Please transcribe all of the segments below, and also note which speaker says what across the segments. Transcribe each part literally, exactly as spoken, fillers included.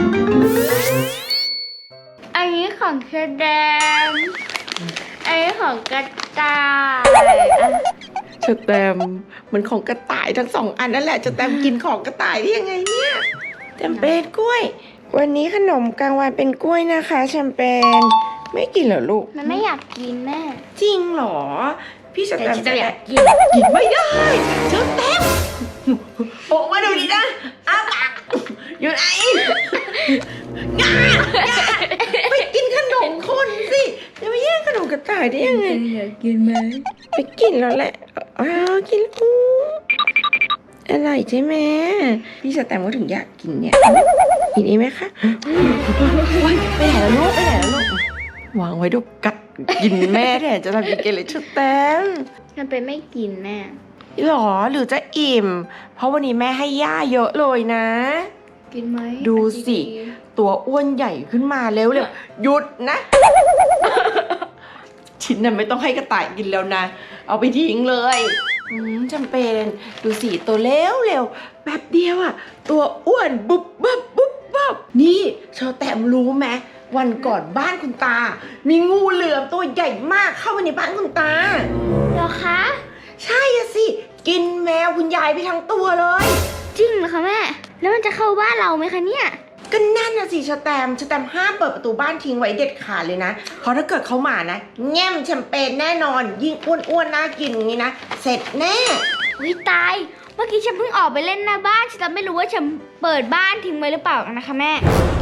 Speaker 1: อันนี้ของเชอแดมอันนี้ของกระต่าย
Speaker 2: เชอแตมมันของกระต่ายทั้งสองอันนั่นแหละเชอแตมกินของกระต่ายได้ยังไงเนี่ยแชมเปญกล้วยวันนี้ขนมกลางวันเป็นกล้วยนะคะแชมเปญไม่กินเหรอลูก
Speaker 1: มันไม่อยากกินแม่
Speaker 2: จริงเหรอพี่เชอแตม
Speaker 1: จะอยากกิน
Speaker 2: กินไม่ได้เชอแตมโอ้มาดูดินะอ้าปากอยู่ไหนงาไปกินขนมคนสิจะไปแย่งขนมกระต่ายได้ยังไง
Speaker 1: อยากกินไหม
Speaker 2: ไปกินแล้วแหละอ้าวกินอู้อร่อยใช่ไหมพี่สแตมก็ถึงอยากกินเนี่ยกินอีกไหมคะโอ๊ยไปไหนแล้วลูกไปไหนแล้วลูกวางไว้ดูกัดกินแม่แทนจะทำกินเกเลยชุดแตม
Speaker 1: มันเป็นไม่กินแม่
Speaker 2: หรอหรือจะอิ่ม เพราะวันนี้แม่ให้ย่าเยอะเลยนะ
Speaker 1: กินไหม
Speaker 2: ดูสิ ตัวอ้วนใหญ่ขึ้นมาเร็วเร็วหยุดนะ ชิ้นนั้นไม่ต้องให้กระต่ายกินแล้วนะ เอาไปทิ้งเลยอืมจำเป็นดูสิตัวเร็วเร็วแบบเดียวอะตัวอ้วนบุบบับบุบบับนี่เชอแตมรู้ไหมวันก่อนบ้านคุณตา มีงูเหลือมตัวใหญ่มากเข้ามาในบ้านคุณตา
Speaker 1: เหรอคะ
Speaker 2: ใช่อะสิกินแมวคุณยายไปทั้งตัวเลย
Speaker 1: จริงเหรอคะแม่ แล้วมันจะเข้าบ้านเราไหมคะเนี่ย
Speaker 2: ก็นั่นน่ะสิชแตมชแตมห้ามเปิดประตูบ้านทิ้งไว้เด็ดขาดเลยนะเพราะถ้าเกิดเขามานะแง่มแชมเปญแน่นอนยิ่งอ้วนๆน่ากินอย่างนี้นะเสร็จแน่
Speaker 1: วิตาย เมื่อกี้ฉันเพิ่งออกไปเล่นหน้าบ้านฉันไม่รู้ว่าฉันเปิดบ้านทิ้งไว้หรือเปล่านะคะแม่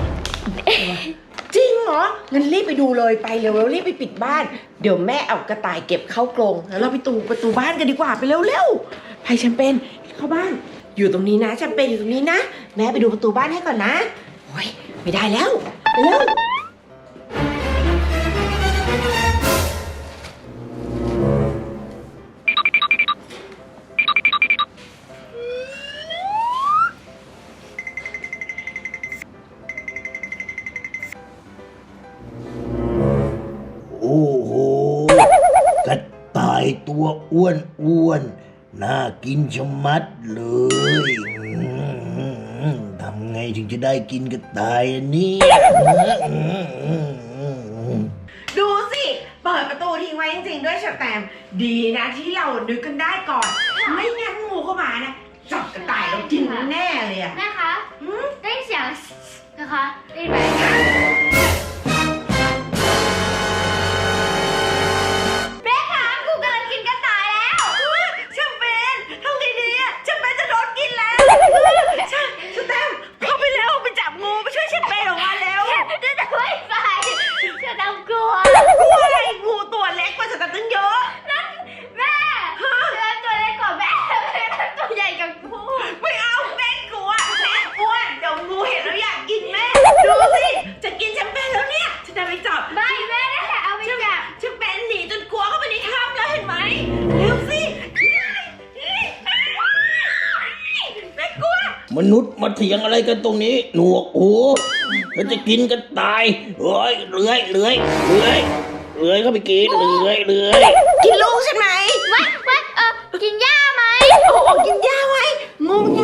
Speaker 2: จริงเหรองั้นรีบไปดูเลยไปเร็วๆรีบไปปิดบ้านเดี๋ยวแม่เอากระต่ายเก็บเข้ากรงแล้วเราไปตูประตูบ้านกันดีกว่าไปเร็วๆไปแชมเปญเข้าบ้านอยู่ตรงนี้นะแชมเปญอยู่ตรงนี้นะแม่ไปดูประตูบ้านให้ก่อนนะโอ้ยไม่ได้แล้วไปเร็ว
Speaker 3: โอ้โหกระต่ายตัวอ้วนอ้วนน่ากินชะมัดเลยอืมทำไงถึงจะได้กินกระต่ายอันนี้
Speaker 2: ดูสิเปิดประตูทิ้งไว้จริงๆด้วยชแตมดีนะที่เรานึกกันได้ก่อน ไม่งั้นงูเข้ามานะจับกระต่ายเรากินแน่เลยอะ
Speaker 1: แม่คะได้เสียงนะคะได้ไหมแม่คะกูกำลังกินกระต่ายแล้ว
Speaker 2: แชมเปญทำไงดีอะแชมเปญจะโดนกินแล้วใช่ชแตมเข้าไปแล้วไปจับงูไปช่วยแชมเปญออกมาแล้ว
Speaker 1: จะจะไม่ไปจะทำกลัว
Speaker 2: กลัวอะไรงูตัวเล็กกว่าชแตมตั้งเยอะ
Speaker 1: นั่นแม่แล้วตัวเล็กกว่าแม่แล้วตัวใหญ่กับกู
Speaker 2: ไม่เอาแม่กลัวแม่อ้วนเดี๋ยวงูเห็นแล้วอยากกินแม่ดูสิจะกินแชมเปญแล้วเนี่ยชแตมไปจับ
Speaker 1: ไม่แม่ได้แต่เอาไปจับ
Speaker 2: แชมเปญหนีจนกลัวเข้าไปในถ้ำแล้วเห็นไหมเร็วสิแม่กลัว
Speaker 3: มนุษย์มาเถียงอะไรกันตรงนี้ หนวกหูแล้วจะกินกระต่ายเอ้ยเลื้อยเลื้อยเลื้อยเลื้อยเข้าไปกินเลื้อยเลื้อย
Speaker 2: กินลูกใช่ไหม
Speaker 1: วัดวัดเออกินหญ้าไหม
Speaker 2: โอ้โหกินหญ้าไว้งูมัน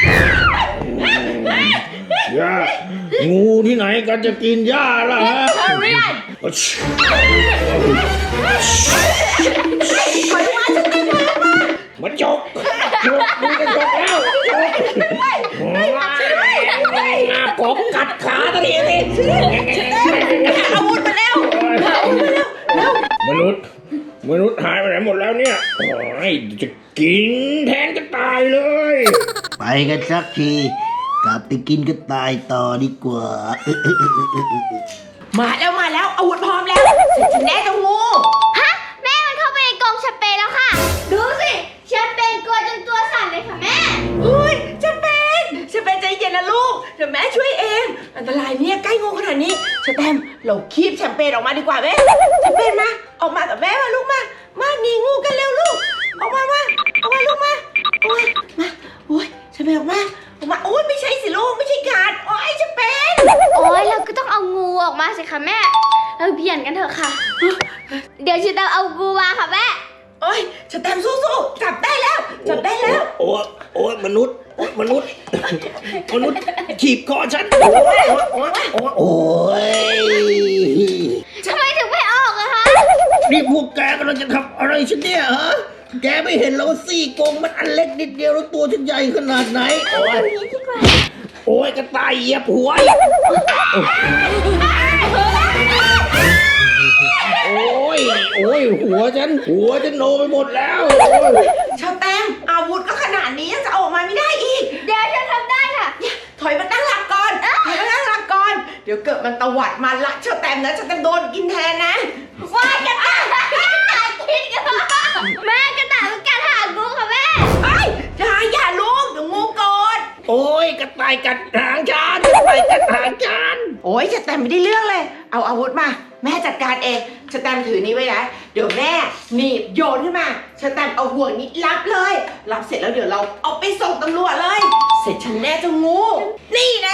Speaker 3: ย่างูที่ไหนกันจะกินหญ้าล่ะฮะ
Speaker 1: เรียน
Speaker 3: มันจกจกมันจะจกแล้วจกกบกัดขาตะเดียนี่
Speaker 2: อาวุธมาแล้วอาวุธมาแล้วแล้ว
Speaker 3: มนุษย์มนุษย์หายไปไหนหมดแล้วเนี่ยโอ้ยจะกินแทนกระต่ายเลย ไปกันสักทีกลับไปกินกระต่ายต่อดีกว่า
Speaker 2: มาแล้วมาแล้วอาวุธพร้อมแล้วเสร็จฉันแน่เจ้างู
Speaker 1: ฮะแม่มันเข้าไปในกรงแชมเปญแล้วค่ะ ดูสิแชมเปญกลัวจนตัวสั่นเลยค่ะแม่
Speaker 2: เฮ้ยแชมเปญแชมเปญใจเย็นนะลูกเดี๋ยวแม่ช่วยเองอันตรายเนี่ยใกล้งูขนาดนี้แชมเปญเราคีบแชมเปญออกมาดีกว่าไหมแชมเปญมาออกมากับแม่มาลูกมามาหนีงูกันเร็วลูกออกมามาออกมาลูกมาออกมามาโอ้ยแชมเปญออกมาออกมาโอ้ยไม่ใช่สิลูกไม่ใช่กัดโอ้ยแชมเปญ
Speaker 1: โอ้ยเราก็ต้องเอางูออกมาสิคะแม่ เราเปลี่ยนกันเถอะค่ะ เดี๋ยวฉันจะเอางูมาค่ะแม่
Speaker 2: โอ้ยแชมเปญสู้ๆจับได้แล้วจับได้แล้ว
Speaker 3: โอ้ยโอ้ยมนุษย์โอ้ยมนุษย์มนุษย์ขีบคอฉันโอ้ยโอ้ยโอ้ยโอ้ย
Speaker 1: ทำไมถึงไม่ออกอะคะ
Speaker 3: นี่พวกแกกำลังจะทำอะไรฉันเนี่ยฮะแกไม่เห็นแล้วว่าซี่โครงมันอันเล็กนิดเดียวแล้วตัวฉันใหญ่ขนาดไหนโอ้ยโอ้ยกระต่ายเหยียบหัวโอ้ยโอ้ยหัวฉันหัวฉันโนไปหมดแล้วโอ้ย
Speaker 2: ชาวแต้มอาวุธก็ขนาดนี้ยังจะออกมาไม่ได้อีก
Speaker 1: เดี๋ยวฉันทำได้ค่ะ
Speaker 2: ถอยมาตั้งหลักก่อนถอยมาตั้งหลักก่อน เดี๋ยวเกิดมันตวัดมาละชาวแต้มนะชาวแต้มโดนกินแทนนะ
Speaker 1: ว่ากระต่ายกระต่ายกินกันแม่กระต่ายมันกัดหางกูค่ะแม่
Speaker 2: เฮ้ยอย่าอย่าลูกเดี๋ยวงูโกรธ
Speaker 3: โอ้ยกระต่ายกัดหางฉันกระต่ายกัดหางฉัน
Speaker 2: โอ้ยชาวแต้มไม่ได้เรื่องเลย เอาอาวุธมา แม่จัดการเองชาวแต้มถือนี้ไว้นะเดี๋ยวแม่หนีบโยนขึ้นมาชาวแต้มเอาห่วงนี้รับเลยรับเสร็จแล้วเดี๋ยวเราเอาไปส่งตำรวจเลย เสร็จฉันแน่เจะงู นี่แน่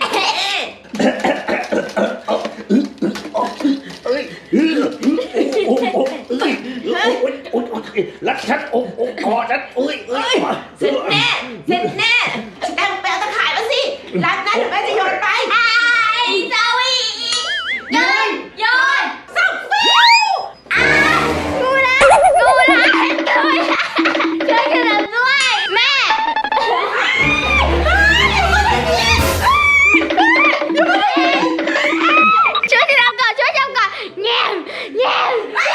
Speaker 3: เอ้ยโอ้โหเอ้ยโอ้ยโอ้ยโอ้ยรัดฉันโอ้โหคอฉันเอ้ยเอ้ย
Speaker 2: เสร็จแน่เสร็จแน่ชาวแต้มไปเอาตะข่ายมาสิรับนะเดี๋ยวแม่จะโยนไป
Speaker 1: ไอ้เจ้าอีโยนโยน
Speaker 2: สับฟิว
Speaker 1: อ้างูละงูละงูละช่วยกันทำด้วยแม่ช่วยกันทำก่อนช่วยทำก่อนแง่มแง่ม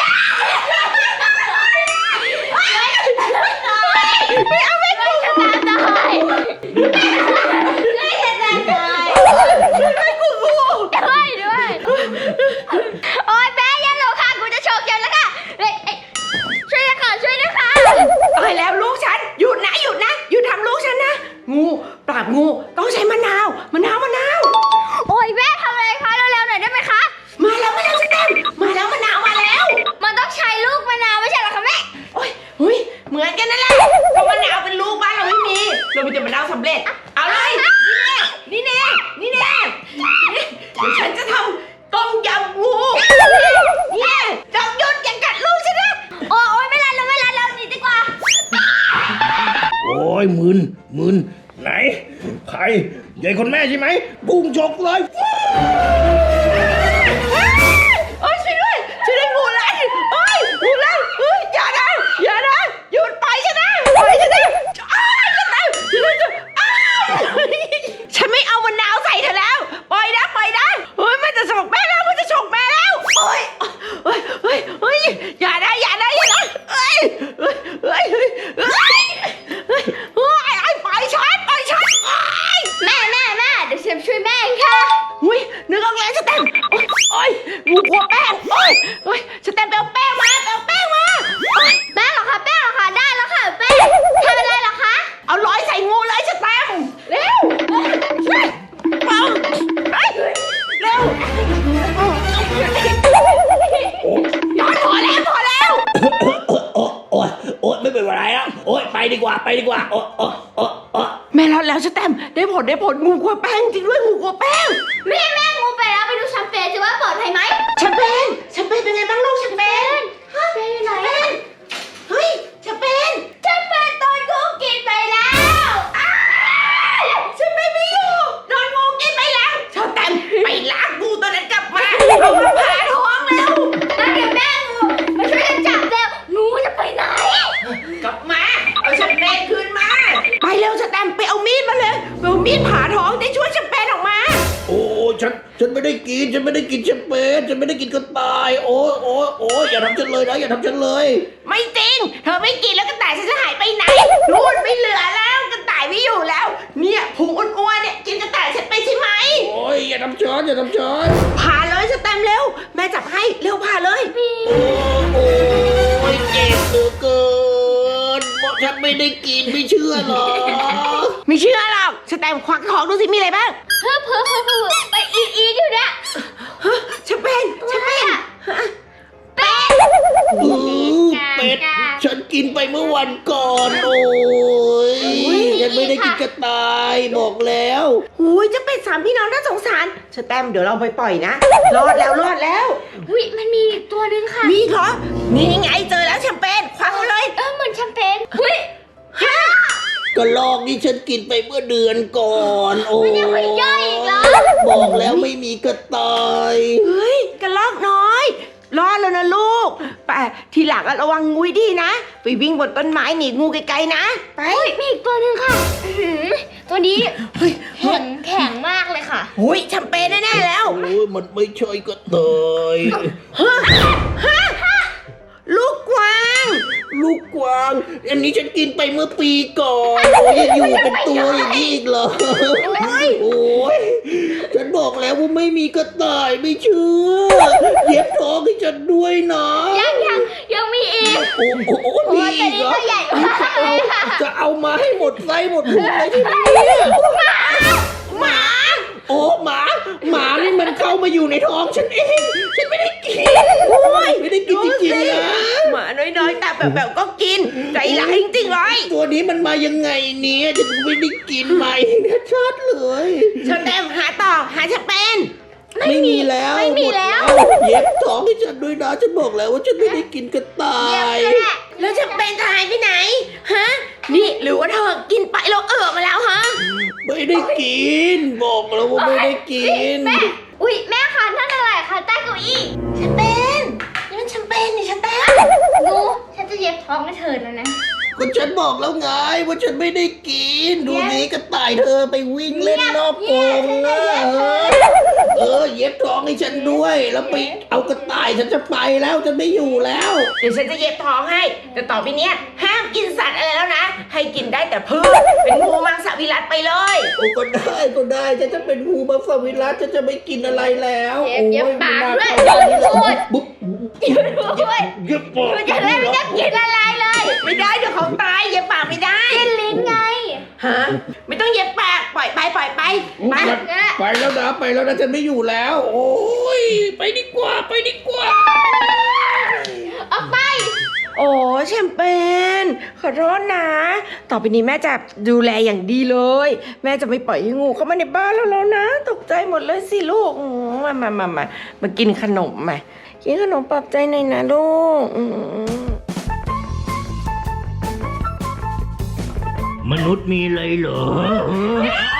Speaker 1: ไม่เอาไม่กูจะตายตายไม่จะตายตายไม่กูด้วยด้วยโอ๊ยแม่อย่าหลงค่ะกูจะโชกเย็นแล้วค่ะเฮ้ยช่วยด้วยค่ะช่วยด้วยค่ะ
Speaker 2: ตายแล้วลูกฉันหยุดนะหยุดนะหยุดทำลูกฉันนะงูปราบงูต้องใช้มะนาวมะนาวมะนาว
Speaker 1: โอ๊ยแม่ทำอะไรคะเร็วๆหน่อยได้ไหมคะ
Speaker 2: มาแล้วมาแล้วสเต็มมาแล้วมะนาวมาแล้ว
Speaker 1: มันต้องใช้ลูกมะนาวไม่ใช่เหรอคะแม่
Speaker 2: โอ้ยหุยเหมือนกันนั่นแหละก็มะนาวเป็นลูกบ้านเราไม่มีเรามีแต่มะนาวสำเร็จเอาเลยนี่แน่นี่แน่นี่แน่เดี๋ยวฉันจะทำต้มยำงูเนี่ยจอมยุทธอย่ากัดลูกฉันนะ
Speaker 1: โอ๊ยไม่รันแล้วไม่รันแล้วหนีดีกว่า
Speaker 3: โอ้ยมึนมึนไหนใครใหญ่คนแม่ใช่ไหมพุ่งชกเลย
Speaker 2: โอ้ยช่วยด้วยช่วยด้วยงูไล่โอ้ยงูไล่เฮ้ยอย่านะอย่านะหยุดไปฉันนะไปฉันนะอ้าวฉันตายฉันจะอ้าวฉันไม่เอามะนาวใส่เธอแล้วปล่อยนะปล่อยนะเฮ้ยมันจะฉกแม่แล้วมันจะฉกแม่แล้วโอ้ยเฮ้ยเฮ้ยเฮ้ยอย่านะอย่านะอย่านะเฮ้ยเฮ้ยเฮ้ยเฮ้ยเฮ้ยเฮ้ยเฮ้ยไอ้ปล่อยฉันปล่อยฉันโอ้ย
Speaker 1: แม่แม่แม่เดี๋ยวฉันช่วยแม่เองค่ะ
Speaker 2: อุ้ยนึกออกแล้วสแตมป์โอ๊ยโอ้ยงูกลัวแป้งโอ้ยโอ้ยสแตมป์ไปเอาแป้งมาไปเอาแป้งมาโอ๊ย
Speaker 1: แป้งเหรอคะแป้งเหรอคะได้แล้วค่ะแป้งทำอะไรเหรอคะ
Speaker 2: เอาร้อยใส่งูเลยสแตมป์เร็วเฮ้ยเอาเฮ้ยเร็วย้อนพอแล้วพอแล้ว
Speaker 3: โอ้โอ้โอ้ไม่เป็นไรแล้วโอ้ยไปดีกว่าไปดีกว่าโอ้โอ้โอ้โอ้
Speaker 2: แม่รอดแล้วสแตมป์ได้ผลได้ผลงูกลัวแป้งจริงด้วยงูกลัวแป้ง
Speaker 1: แม่แม่งูไปแล้วไปดูแชมเปญสิว่าปลอดภัยไหม
Speaker 2: แชมเปญแชมเปญเป็นไงบ้างลูกแชมเปญ
Speaker 1: ฮะแชมเปญอยู่ไหน
Speaker 2: แชมเปญเฮ้ยแชมเปญ
Speaker 1: แชมเปญตอนกูกินไปแล้ว
Speaker 2: อ้าวแชมเปญไม่อยู่โดนงูกินไปแล้วสแตมป์ไปล้างงูตัวนั้นกลับมาเอามาผ่าท้องแล้ว
Speaker 1: แล้วเดี๋ยวแม่งูมาช่วยกันจับเร็วงูจะไปไหน
Speaker 2: กลับมาเอาแชมเปญคืนมาไปเร็วสแตมป์ไปเอามีดมาเลยไปเอามีดผ่าท้องได้ช่วยแชมเปญออกมา
Speaker 3: โอ้ฉันฉันไม่ได้กินฉันไม่ได้กินแชมเปญฉันไม่ได้กินกระต่ายโอ้โอ้โอ้อย่าทำฉันเลยนะอย่าทำฉันเลย
Speaker 2: ไม่จริงเธอไม่กินแล้วกระต่ายฉันจะหายไปไหนนู่นไม่เหลือแล้วกระต่ายไม่อยู่แล้ว เนี่ยพุงอ้วนๆเนี่ยกินกระต่ายฉันไปใช่ไหม
Speaker 3: โอ้ยอย่าทำฉันอย่าทำฉัน
Speaker 2: ผ่าเลยสแตมป์เร็วแม่จับให้เร็วผ่าเลย
Speaker 3: โอ้โอ้ยเจ็บเหลือเกินเพราะฉันไม่ได้กินไม่เชื่อหรอ
Speaker 2: ไม่เชื่อหรอกสแตมป์ควักท้องดูสิมีอะไรบ้าง
Speaker 1: เพิ่มเพิ่มเพิ่มเพิ่มไปอีอีอยู่เนี่ย
Speaker 2: ฮะแชมเปญแชมเปญ
Speaker 1: เป็ด
Speaker 3: อือเป็ดฉันกินไปเมื่อวันก่อนโอ้ยฉันไม่ได้กินกระต่ายบอกแล้ว
Speaker 2: หูยจะเป็นสามพี่น้องน่าสงสารสแตมป์เดี๋ยวเราไปปล่อยนะรอดแล้วรอดแล้ว
Speaker 1: อุ้ยมันมีอีกตัวนึงค่ะ
Speaker 2: มีเหรอนี่ไงเจอแล้วแชมเปญควักเอาเลย
Speaker 1: เออเหมือนแชมเปญเฮ้ย
Speaker 2: ฮะ
Speaker 3: ก็ลอกนี่ฉันกินไปเมื่อเดือนก่อนโอ้
Speaker 1: มันยังไม่ย่อยอีกเหรอ
Speaker 3: บอกแล้วไม่มีกระต่าย
Speaker 2: เฮ้ยกระลอกน้อย รอดแล้วนะลูกไปทีหลังอะระวังงูให้ดีนะ ไปวิ่งบนต้นไม้หนีงูไกลๆนะ ไป
Speaker 1: เฮ้ยมีอีกตัวหนึ่งค่ะอื้อหือตัวนี้
Speaker 2: เฮ้ย
Speaker 1: แข็งแข็งมากเลยค่ะ
Speaker 2: หุยแชมเปญแน่ๆแล้ว
Speaker 3: โอ้ยมันไม่ใช่กระต่าย
Speaker 2: ฮะฮะลูกกวาง
Speaker 3: ลูกกวาง อันนี้ฉันกินไปเมื่อปีก่อนโอ้ยยังอยู่เป็นตัวอย่างนี้อีกเหรอโอ้ยฉันบอกแล้วว่าไม่มีกระต่ายไม่เชื่อเย็บท้องให้ฉันด้วยนะ
Speaker 1: ยังยังยังมีอีก
Speaker 3: โอ้โห
Speaker 1: โอ้
Speaker 3: มี
Speaker 1: ย
Speaker 3: อีกเหรอ
Speaker 1: ตัวนี้ตัวใหญ่มากเลยค่ะ
Speaker 3: จะเอามาให้หมดไส้หมดพุงเลยที่นี่
Speaker 2: หมา
Speaker 3: โอ้หมาหมานี่มันเข้ามาอยู่ในท้องฉันเองฉันไม่ได้กิน
Speaker 2: โอ้ย
Speaker 3: ไม่ได้กินจริงๆนะ
Speaker 2: หมาน้อยๆแต่แบบๆก็กิน ใจร้ายจริงๆเลย
Speaker 3: ตัวนี้มันมายังไงเนี่ยฉันไม่ได้กินมาเองชัดเลย
Speaker 2: เชอแตมหาต่อหาแชมเปญ
Speaker 3: ไม่มีแล้ว
Speaker 1: ไม่มีแล้ว
Speaker 3: หดเย็บท้องให้ฉันด้วยนะฉันบอกแล้วว่าฉันไม่ได้กินกระต่า
Speaker 1: เยี่ยม
Speaker 3: ย
Speaker 1: เลยแหละ
Speaker 2: แล้วแชมเปญจะหายไปไหนฮะนี่หรือว่าเธอกินไปแล้วเออมาแล้วฮะ
Speaker 3: ไม่ได้กิน บอกแล้วว่าไม่ได้กิน
Speaker 1: แม่อุ้ยแม่คะนั่นอะไรคะใต้เก้าอี้
Speaker 2: แชมเปญนี่มันแชมเปญนี่แชมเปญ
Speaker 1: งูฉันจะเย็บท้องให้เธอแล้วนะ
Speaker 3: ก็ฉันบอกแล้วไงว่าฉันไม่ได้กิน ดูนี้กระต่ายเธอไปวิ่งเล่นนอกกรงนะเออเย็บท้องให้ฉันด้วย แล้วไปเอากระต่ายฉันจะไปแล้วฉันไม่อยู่แล้ว
Speaker 2: เดี๋ยวฉันจะเย็บท้องให้ แต่ต่อไปเนี้ยห้ามกินสัตว์อะไรแล้วนะ ให้กินได้แต่พืชเป็นงูมังสวิรัติไปเลย
Speaker 3: โอ้ก็ได้ก็ได้ฉันจะเป็นงูบัฟฟาวิรัสฉันจะไม่กินอะไรแล้ว
Speaker 1: เย็บเย็บ
Speaker 3: โอ้
Speaker 1: ปาก
Speaker 3: ไม่
Speaker 1: ด้วย
Speaker 3: น่า
Speaker 1: หยุด
Speaker 3: เข้า
Speaker 1: พูด
Speaker 3: บุ๊บ
Speaker 1: หยุดพูด
Speaker 3: เย็บปาก
Speaker 1: หยุดจะได้ไม่ได้กินอะไรเลย
Speaker 2: ไม่ได้เดี๋ยวเขาตายเย็บปากไม่ได้
Speaker 1: กินลิ้นไง
Speaker 2: ฮะไม่ต้องเย็บปากปล่อยไปปล่อยไปไป
Speaker 3: ไปแล้วนะไปแล้วนะฉันไม่อยู่แล้ว โอ้ยไปดีกว่าไปดีกว่า
Speaker 1: ออกไป
Speaker 2: โอ้แชมเปญขอโทษนะ ต่อไปนี้แม่จะดูแลอย่างดีเลย แม่จะไม่ปล่อยให้งูเข้ามาในบ้านเราแล้วนะ ตกใจหมดเลยสิลูกอืมมามามามามากินขนมมากินขนมปลอบใจหน่อยนะลูกอืม
Speaker 3: มนุษย์มีอะไรเหรอ